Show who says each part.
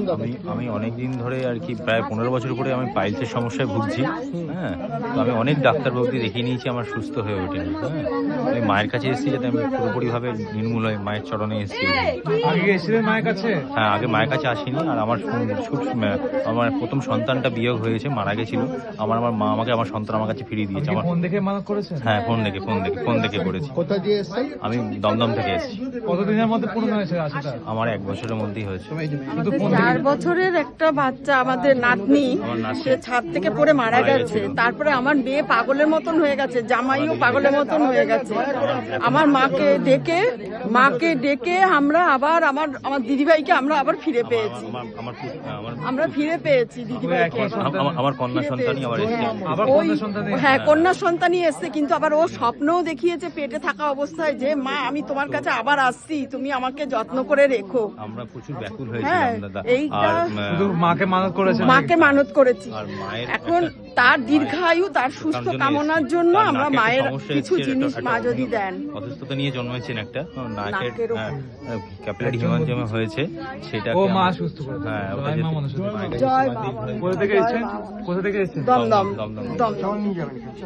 Speaker 1: আমি অনেকদিন ধরে আর কি প্রায় 15 বছর করে আমি পাইলসের সমস্যায় ভুগছি। হ্যাঁ, তো আমি অনেক ডাক্তারবাবুকে দেখিয়ে নিয়েছি, আমার সুস্থ হয়ে ওঠেনি। হ্যাঁ, আমি মায়ের কাছে এসেছি যাতে আমি পুরোপুরিভাবে নির্মূল হয়ে মায়ের চরণে এসেছি।
Speaker 2: আগে এসেছিলেন মায়ের কাছে?
Speaker 1: হ্যাঁ, আগে মায়ের কাছে আসিনি। আর আমার আমার প্রথম সন্তানটা বিয়োগ হয়েছে, মারা গেছিল। আমার মা আমাকে আমার সন্তান আমার কাছে ফিরিয়ে দিয়েছে। আমার
Speaker 2: ফোন দেখে মানত করেছেন?
Speaker 1: হ্যাঁ, ফোন দেখে করেছি।
Speaker 3: কোথা দিয়ে এসেছেন?
Speaker 1: আমি দমদম থেকে এসেছি।
Speaker 2: কতদিনের মধ্যে পূর্ণ হয়েছে আশাটা?
Speaker 1: আমার 1 বছরের মধ্যেই হয়েছে।
Speaker 2: শুধু ফোন
Speaker 4: 4 বছরের একটা বাচ্চা, আমাদের নাতনি, সে ছাদ থেকে পড়ে মারা গেছে। তারপরে আমার মেয়ে পাগলের মতন হয়ে গেছে, জামাইও পাগলের মতন হয়ে গেছে। আমার মাকে ডেকে আমরা আবার আমার দিদিভাইকে আমরা আবার ফিরে পেয়েছি। আমরা ফিরে পেয়েছি দিদিভাইকে।
Speaker 1: আমার কন্যা সন্তানই আবার এসেছে।
Speaker 2: আবার
Speaker 4: ওই
Speaker 2: কন্যা সন্তান?
Speaker 4: হ্যাঁ, কন্যা সন্তানই এসছে, কিন্তু আবার ও স্বপ্নও দেখিয়েছে পেটে থাকা অবস্থায় যে মা আমি তোমার কাছে আবার আসছি, তুমি আমাকে যত্ন করে রেখো।
Speaker 1: আমরা প্রচুর ব্যাকুল
Speaker 4: হ্যাঁ,
Speaker 1: হয়েছিলাম দাদা।
Speaker 4: এইটা
Speaker 2: শুধু মাকে মানত করেছেন?
Speaker 4: মাকে মানত করেছি।
Speaker 1: আর মায়ের
Speaker 4: এখন তার দীর্ঘায়ু, তার সুস্থ কামনার জন্য
Speaker 1: তার
Speaker 4: আমরা
Speaker 1: নাকে
Speaker 4: মায়ের
Speaker 1: সমস্যা
Speaker 4: কিছু
Speaker 1: এসেছে,
Speaker 4: জিনিস
Speaker 1: একটা
Speaker 4: মা যদি দেন।
Speaker 1: অসুস্থতা নিয়ে জন্মেছেন একটা নাকের
Speaker 4: নাকের উপর।
Speaker 1: ক্যাপিলারি হিমানজমে হয়েছে, সেটা
Speaker 2: ও মা সুস্থ করে?
Speaker 1: হ্যাঁ,
Speaker 2: জয় মা মনসা।
Speaker 4: জয় বাবা।
Speaker 2: কোথা থেকে এসেছেন? কোথা থেকে এসেছেন?
Speaker 4: দমদম
Speaker 1: দমদম।
Speaker 4: দমদম।